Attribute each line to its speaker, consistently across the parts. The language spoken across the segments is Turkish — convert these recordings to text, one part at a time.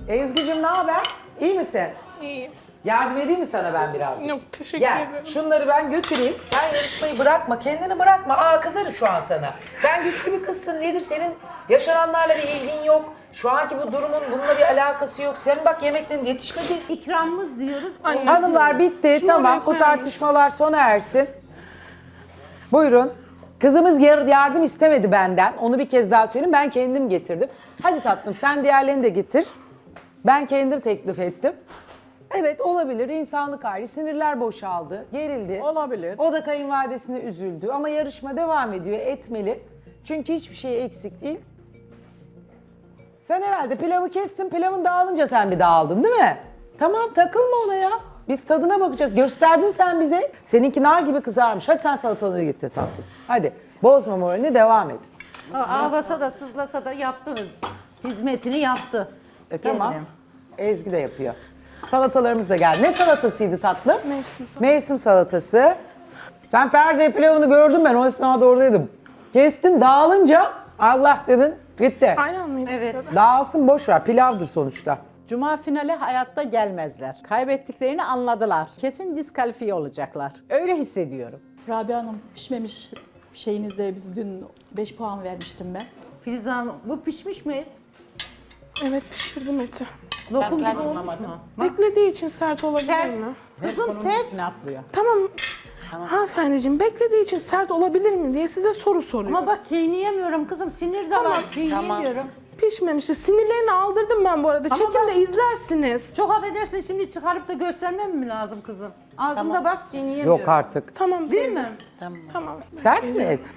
Speaker 1: Ezgi'cim ne haber? İyi misin?
Speaker 2: İyiyim.
Speaker 1: Yardım edeyim mi sana ben birazcık?
Speaker 2: Yok teşekkür
Speaker 1: Gel
Speaker 2: ederim.
Speaker 1: şunları ben götüreyim. Sen yarışmayı bırakma, kendini bırakma. Aa kızarım şu an sana. Sen güçlü bir kızsın. Nedir senin yaşananlarla bir ilgin yok. Şu anki bu durumun bununla bir alakası yok. Senin bak yemeklerin yetişmedi.
Speaker 3: İkramımız diyoruz.
Speaker 2: Anne.
Speaker 1: Hanımlar bitti.
Speaker 2: Şunu
Speaker 1: Tamam
Speaker 2: oraya
Speaker 1: bu
Speaker 2: koyar
Speaker 1: tartışmalar sona ersin. Buyurun. Kızımız yardım istemedi benden. Onu bir kez daha söyleyeyim. Ben kendim getirdim. Hadi tatlım sen diğerlerini de getir. Ben kendim teklif ettim. Evet olabilir. İnsanlık hali. Sinirler boşaldı. Gerildi.
Speaker 4: Olabilir.
Speaker 1: O da kayınvalidesine üzüldü. Ama yarışma devam ediyor. Etmeli. Çünkü hiçbir şey eksik değil. Sen herhalde pilavı kestin. Pilavın dağılınca sen bir dağıldın değil mi? Tamam takılma ona ya. Biz tadına bakacağız. Gösterdin sen bize. Seninki nar gibi kızarmış. Hadi sen salataları getir tatlım. Hadi. Bozma moralini devam et.
Speaker 3: Ağlasa da sızlasa da yaptı hizmetini yaptı.
Speaker 1: Tamam.
Speaker 3: Gelinim.
Speaker 1: Ezgi de yapıyor. Salatalarımız da geldi. Ne salatasıydı tatlım?
Speaker 2: Mevsim salatası.
Speaker 1: Mevsim salatası. Sen perde pilavını gördüm ben. O esnada oradaydım. Kestin dağılınca Allah dedin gitti.
Speaker 2: Aynen mıydı
Speaker 3: Evet.
Speaker 2: size de?
Speaker 1: Dağılsın boş ver. Pilavdır sonuçta.
Speaker 4: Cuma finali hayatta gelmezler. Kaybettiklerini anladılar. Kesin diskalifiye olacaklar. Öyle hissediyorum.
Speaker 5: Rabia Hanım pişmemiş şeyinizde biz dün 5 puan vermiştim ben.
Speaker 3: Filiz Hanım bu pişmiş mi?
Speaker 2: Evet pişirdim eti.
Speaker 3: Lokum
Speaker 4: Ben
Speaker 3: gibi olmuş
Speaker 4: anlamadım.
Speaker 3: mu?
Speaker 2: Beklediği için sert olabilir
Speaker 3: Sert.
Speaker 2: mi?
Speaker 3: Kızım
Speaker 4: Konunun
Speaker 3: sert.
Speaker 4: içine atlıyor.
Speaker 2: Tamam. Hanımefendiciğim beklediği için sert olabilir mi diye size soru soruyorum.
Speaker 3: Ama bak çiğneyemiyorum kızım. Sinir de var. Çiğneyemiyorum.
Speaker 2: Pişmemişti. Sinirlerini aldırdım ben bu arada.
Speaker 3: Ama
Speaker 2: Çekimde
Speaker 3: bak-
Speaker 2: izlersiniz.
Speaker 3: Çok affedersin şimdi çıkarıp da göstermem mi lazım kızım? Ağzımda bak çiğneyemiyorum.
Speaker 1: Yok artık.
Speaker 2: Tamam
Speaker 3: Değil
Speaker 2: teyze.
Speaker 3: mi?
Speaker 2: Tamam.
Speaker 1: Sert mi et?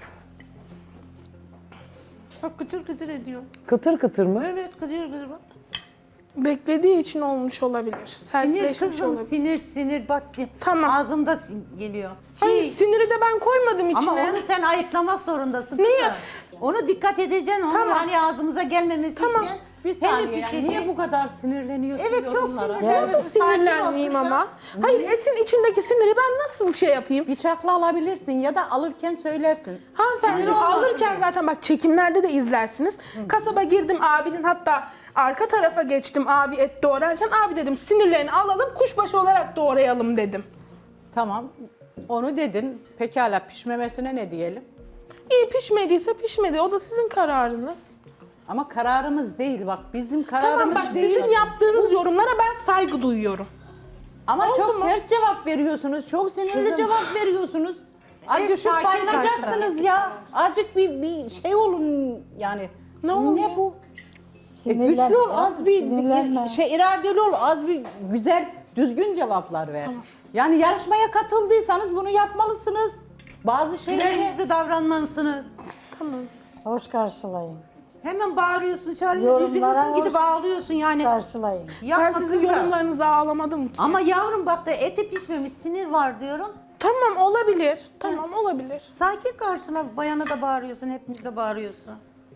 Speaker 3: Bak kıtır kıtır ediyor.
Speaker 1: Kıtır kıtır mı?
Speaker 3: Evet kıtır kıtır bak.
Speaker 2: Beklediği için olmuş olabilir.
Speaker 3: Sinir
Speaker 2: Sertleşmiş
Speaker 3: kızım
Speaker 2: olabilir.
Speaker 3: sinir bak.
Speaker 2: Tamam.
Speaker 3: Ağzımda geliyor.
Speaker 2: Hayır
Speaker 3: Şey,
Speaker 2: siniri de ben koymadım içine.
Speaker 3: ama onu sen ayıklamak zorundasın.
Speaker 2: Niye?
Speaker 3: kızım. Onu dikkat edeceksin. Onu
Speaker 2: Tamam.
Speaker 3: hani ağzımıza gelmesi
Speaker 2: Tamam.
Speaker 3: için.
Speaker 4: Bir
Speaker 3: Hem
Speaker 4: saniye yani
Speaker 3: pişecek.
Speaker 4: niye bu kadar sinirleniyorsun
Speaker 3: Evet çok
Speaker 4: yorumlara?
Speaker 3: sinirlendim.
Speaker 2: Nasıl sinirlenmeyeyim ama? Hayır etin içindeki siniri ben nasıl şey yapayım?
Speaker 4: Bıçakla alabilirsin ya da alırken söylersin.
Speaker 2: Hanımefendi alırken zaten bak çekimlerde de izlersiniz. Kasaba girdim abinin hatta arka tarafa geçtim abi et doğrarken abi dedim sinirlerini alalım kuşbaşı olarak doğrayalım dedim.
Speaker 4: Tamam. Onu dedin. Pekala pişmemesine ne diyelim?
Speaker 2: İyi pişmediyse pişmedi o da sizin kararınız.
Speaker 4: Ama kararımız değil bak bizim
Speaker 2: Tamam
Speaker 4: kararımız
Speaker 2: bak
Speaker 4: değil.
Speaker 2: sizin yaptığınız yorumlara ben saygı duyuyorum.
Speaker 4: Ama
Speaker 2: Oldu
Speaker 4: çok
Speaker 2: mu?
Speaker 4: ters cevap veriyorsunuz. Çok sinirli cevap veriyorsunuz. Ay
Speaker 3: Evet,
Speaker 4: düşüp
Speaker 3: sakin
Speaker 4: bayılacaksınız ya. Azıcık bir şey olun yani.
Speaker 2: Ne oluyor?
Speaker 4: Ne bu? Güçlü ol, az bir iradeli ol, az bir güzel, düzgün cevaplar ver. Yani yarışmaya katıldıysanız bunu yapmalısınız. Bazı şeyleri
Speaker 3: Yüzde davranmalısınız.
Speaker 2: Tamam.
Speaker 6: Hoş karşılayın.
Speaker 3: Hemen bağırıyorsun, çağırıyorsun,
Speaker 6: Yorumlara
Speaker 3: üzülüyorsun, gidip
Speaker 6: hoş-
Speaker 3: ağlıyorsun yani.
Speaker 6: Karşılayın.
Speaker 3: Yapma
Speaker 2: Ben sizin
Speaker 3: kızım.
Speaker 2: yorumlarınızı ağlamadım ki.
Speaker 3: Ama yavrum bak da eti pişmemiş, sinir var diyorum.
Speaker 2: Tamam olabilir. Tamam olabilir.
Speaker 3: Sakin karşıla, bayana da bağırıyorsun, hepimize bağırıyorsun.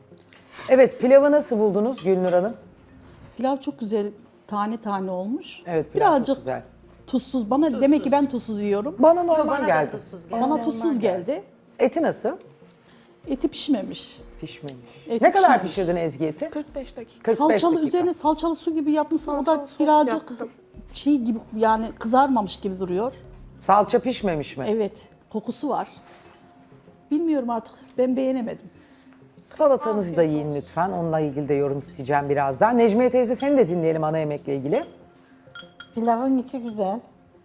Speaker 1: Evet pilavı nasıl buldunuz Gülnur Hanım?
Speaker 5: Pilav çok güzel tane tane olmuş.
Speaker 1: Evet pilav
Speaker 5: Birazcık
Speaker 1: çok güzel.
Speaker 5: tuzsuz. Bana demek ki ben tuzsuz yiyorum.
Speaker 1: Bana normal
Speaker 3: Bana da
Speaker 1: geldi.
Speaker 3: tuzsuz geldi.
Speaker 5: Bana tuzsuz geldi.
Speaker 1: Eti nasıl?
Speaker 5: Eti pişmemiş.
Speaker 1: Pişmemiş.
Speaker 5: Et
Speaker 1: Ne kadar
Speaker 5: pişmemiş.
Speaker 1: pişirdin Ezgi eti?
Speaker 2: 45 dakika.
Speaker 1: 45
Speaker 5: Salçalı
Speaker 1: dakika.
Speaker 5: üzerine salçalı su gibi yapmışsın. O
Speaker 2: Salçalı
Speaker 5: da
Speaker 2: sos
Speaker 5: birazcık
Speaker 2: yaptım.
Speaker 5: çiğ gibi yani kızarmamış gibi duruyor.
Speaker 1: Salça pişmemiş mi?
Speaker 5: Evet, kokusu var. Bilmiyorum artık. Ben beğenemedim.
Speaker 1: Salatanızı da yiyin lütfen. Onunla ilgili de yorum isteyeceğim birazdan. Necmiye teyze seni de dinleyelim ana yemekle ilgili.
Speaker 6: Pilavın içi güzel.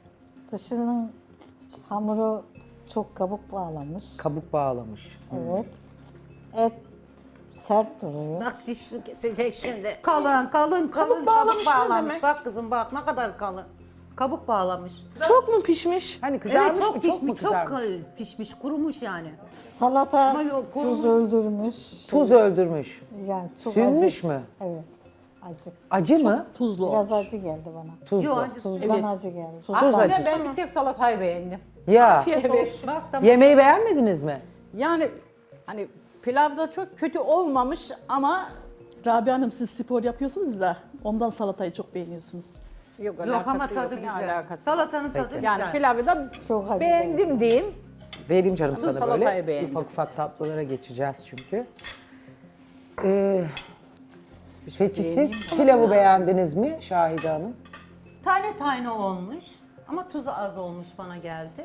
Speaker 6: Dışının hamuru çok kabuk bağlamış.
Speaker 1: Kabuk bağlamış.
Speaker 6: Evet. Et sert duruyor.
Speaker 3: Bak dişini kesecek şimdi. Kalın, kabuk
Speaker 2: bağlamış ne
Speaker 3: bağlamış.
Speaker 2: demek?
Speaker 3: Bak kızım bak ne kadar kalın. Kabuk bağlamış.
Speaker 2: Çok mu pişmiş?
Speaker 1: Hani kızarmış
Speaker 3: Evet çok
Speaker 1: mı?
Speaker 3: pişmiş,
Speaker 1: Çok mu kızarmış?
Speaker 3: pişmiş, kurumuş yani.
Speaker 6: Salata
Speaker 3: Ama yok,
Speaker 6: tuz öldürmüş.
Speaker 1: Tuz öldürmüş.
Speaker 6: Yani çok
Speaker 1: Sünmüş
Speaker 6: acı.
Speaker 1: mü?
Speaker 6: Evet. Acı.
Speaker 1: Acı mı?
Speaker 5: Tuzlu
Speaker 6: Biraz
Speaker 5: olmuş.
Speaker 6: acı geldi bana.
Speaker 1: Tuzlu.
Speaker 3: Yok acı.
Speaker 6: Tuzdan
Speaker 5: Evet.
Speaker 6: acı geldi.
Speaker 1: Tuz
Speaker 4: Aslında
Speaker 1: acısı.
Speaker 4: ben bir tek salatayı beğendim.
Speaker 1: Ya
Speaker 2: Afiyet olsun.
Speaker 3: Bak tamam.
Speaker 1: yemeği beğenmediniz mi?
Speaker 4: Yani hani pilavda çok kötü olmamış ama
Speaker 5: Rabia Hanım siz spor yapıyorsunuz da ondan salatayı çok beğeniyorsunuz.
Speaker 4: yok
Speaker 3: Yok
Speaker 4: alakası
Speaker 3: ama
Speaker 4: yok.
Speaker 3: tadı
Speaker 4: Ne
Speaker 3: güzel.
Speaker 4: alakası var?
Speaker 3: Salatanın tadı
Speaker 4: Yani
Speaker 3: güzel.
Speaker 4: pilavı da
Speaker 6: Çok acı
Speaker 4: beğendim diyeyim.
Speaker 1: Vereyim canım sana
Speaker 4: salatayı
Speaker 1: böyle.
Speaker 4: beğendim.
Speaker 1: Ufak ufak tatlılara geçeceğiz çünkü. Peki siz pilavı beğendiniz mi Şahide Hanım?
Speaker 3: Tane tane olmuş ama tuzu az olmuş bana geldi.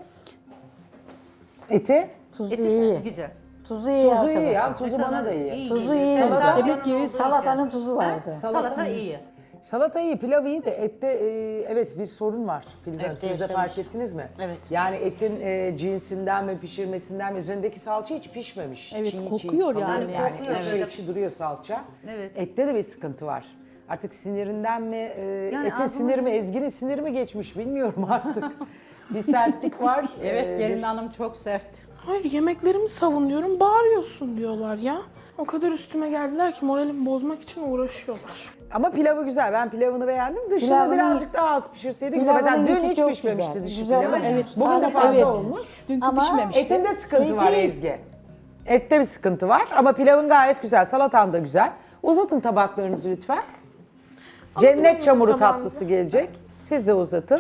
Speaker 1: Eti?
Speaker 6: Tuzu
Speaker 3: Eti
Speaker 6: iyi.
Speaker 3: güzel.
Speaker 6: Tuzu iyi
Speaker 1: Tuzu iyi ya,
Speaker 6: arkadaşlar.
Speaker 1: tuzu bana da iyi.
Speaker 6: Tuzu
Speaker 3: geliyor.
Speaker 6: iyi.
Speaker 3: Salata-
Speaker 6: Demek ki salatanın tuzu vardı.
Speaker 3: Salata iyi.
Speaker 1: Salata iyi, pilav iyi de ette evet bir sorun var Filiz Hanım.
Speaker 7: Evet,
Speaker 1: Siz de
Speaker 7: yaşamış.
Speaker 1: fark ettiniz mi?
Speaker 7: Evet.
Speaker 1: Yani etin cinsinden mi pişirmesinden mi üzerindeki salça hiç pişmemiş.
Speaker 5: Evet, kokuyor
Speaker 1: kalıyor
Speaker 5: yani.
Speaker 3: Kokuyor,
Speaker 1: ekşi
Speaker 3: evet.
Speaker 1: ekşi duruyor salça.
Speaker 3: Evet.
Speaker 1: Ette de bir sıkıntı var. Artık sinirinden mi,
Speaker 3: Yani
Speaker 1: etin
Speaker 3: ağzıma-
Speaker 1: siniri mi, Ezgi'nin siniri mi geçmiş bilmiyorum artık. Bir sertlik var.
Speaker 4: Evet gelin
Speaker 1: bir-
Speaker 4: hanım çok sert.
Speaker 2: Hayır yemeklerimi savunuyorum, bağırıyorsun diyorlar ya. O kadar üstüme geldiler ki moralimi bozmak için uğraşıyorlar.
Speaker 1: Ama pilavı güzel. Ben pilavını beğendim. Dışını
Speaker 6: Pilavını-
Speaker 1: birazcık daha az pişirseydik.
Speaker 6: Pilavının
Speaker 1: Mesela dün
Speaker 6: içi
Speaker 1: hiç
Speaker 6: çok
Speaker 1: pişmemişti
Speaker 6: güzel.
Speaker 1: dışı
Speaker 6: Güzel
Speaker 1: pilavı.
Speaker 6: olmuş.
Speaker 1: Bugün de
Speaker 6: Evet.
Speaker 1: fazla
Speaker 6: Evet.
Speaker 1: olmuş.
Speaker 5: Dünkü
Speaker 6: Ama
Speaker 5: pişmemişti.
Speaker 1: Etinde sıkıntı
Speaker 6: Şey
Speaker 1: var
Speaker 6: değil.
Speaker 1: Ezgi. Ette bir sıkıntı var ama pilavın gayet güzel. Salatan da güzel. Uzatın tabaklarınızı lütfen. Cennet çamuru
Speaker 2: tabağınızı.
Speaker 1: tatlısı gelecek. Siz de uzatın.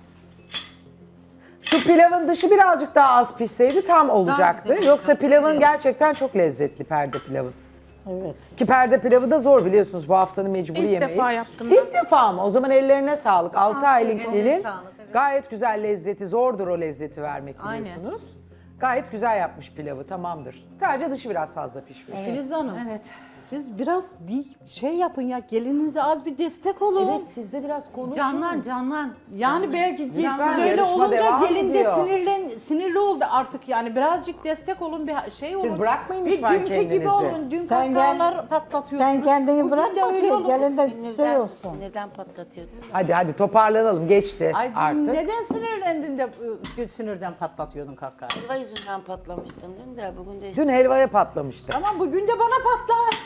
Speaker 1: Şu pilavın dışı birazcık daha az pişseydi tam olacaktı.
Speaker 3: güzel,
Speaker 1: Yoksa
Speaker 3: çok
Speaker 1: pilavın
Speaker 3: güzel.
Speaker 1: gerçekten çok lezzetli perde pilavı.
Speaker 6: Evet.
Speaker 1: Ki perde pilavı da zor biliyorsunuz bu haftanın mecburi
Speaker 2: İlk
Speaker 1: yemeği.
Speaker 2: defa yaptım
Speaker 1: İlk defa mı? O zaman ellerine sağlık. 6 aylık
Speaker 3: eline
Speaker 1: gelin
Speaker 3: sağlık, evet.
Speaker 1: gayet güzel lezzeti, zordur o lezzeti vermek
Speaker 3: Aynen.
Speaker 1: biliyorsunuz. Gayet güzel yapmış pilavı, tamamdır. Sadece dışı biraz fazla pişmiş.
Speaker 4: Filiz Hanım. Evet. Siz biraz bir şey yapın ya. Gelininize az bir destek olun.
Speaker 1: Evet, sizde biraz konuşun.
Speaker 3: Canlan.
Speaker 4: Yani belki
Speaker 1: Lütfen,
Speaker 4: siz öyle
Speaker 1: yarışma devam
Speaker 4: olunca gelin de
Speaker 1: ediyor.
Speaker 4: sinirli oldu artık yani birazcık destek olun bir şey olun.
Speaker 1: bırakmayın
Speaker 4: bir
Speaker 1: lütfen
Speaker 4: dünkü gibi
Speaker 1: kendinizi.
Speaker 4: olun. Dün
Speaker 6: Sen
Speaker 4: kahkahalar patlatıyordunuz.
Speaker 6: Sen kendini
Speaker 4: Bugün
Speaker 6: bırakma
Speaker 4: de öyle
Speaker 6: ki
Speaker 4: olun.
Speaker 6: gelin de şey
Speaker 7: Sinirden,
Speaker 6: olsun.
Speaker 7: sinirden patlatıyordu.
Speaker 1: Hadi toparlanalım, geçti
Speaker 4: Ay
Speaker 1: artık.
Speaker 4: neden sinirlendin de sinirden patlatıyordun kahkahayı?
Speaker 7: Helva yüzünden patlamıştım dün de bugün de
Speaker 1: Dün helvaya patlamıştı.
Speaker 4: Tamam bugün de bana patla.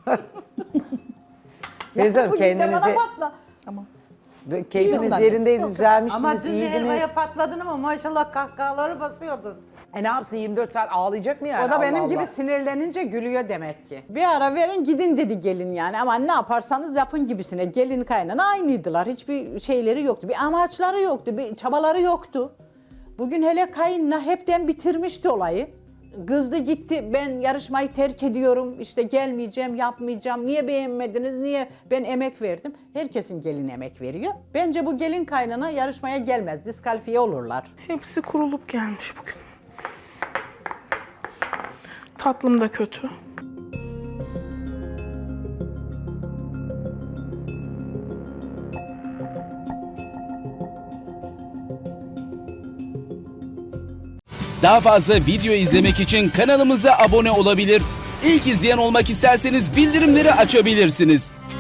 Speaker 1: Teyze Hanım,
Speaker 4: Bugün de bana
Speaker 1: kendinizi,
Speaker 4: patla.
Speaker 1: keyfiniz
Speaker 4: Yok.
Speaker 1: yerindeydi,
Speaker 3: Ama
Speaker 1: düzelmiştiniz,
Speaker 3: dün de
Speaker 1: iyiydiniz.
Speaker 3: helvaya patladın ama maşallah kahkahaları basıyordun.
Speaker 1: Ne yapsın, 24 saat ağlayacak mı yani?
Speaker 4: O da benim
Speaker 1: Allah
Speaker 4: gibi
Speaker 1: Allah.
Speaker 4: sinirlenince gülüyor demek ki. Bir ara verin gidin dedi gelin yani ama ne yaparsanız yapın gibisine. Gelin kaynana aynıydılar. Hiçbir şeyleri yoktu. Bir amaçları yoktu. Bir çabaları yoktu. Bugün hele kayınla hepten bitirmişti olayı. Kızdı gitti ben yarışmayı terk ediyorum işte gelmeyeceğim yapmayacağım. Niye beğenmediniz niye ben emek verdim. Herkesin gelin emek veriyor. Bence bu gelin kaynana yarışmaya gelmez diskalifiye olurlar.
Speaker 2: Hepsi kurulup gelmiş bugün. Tatlım da kötü.
Speaker 8: Daha fazla video izlemek için kanalımıza abone olabilir. İlk izleyen olmak isterseniz bildirimleri açabilirsiniz.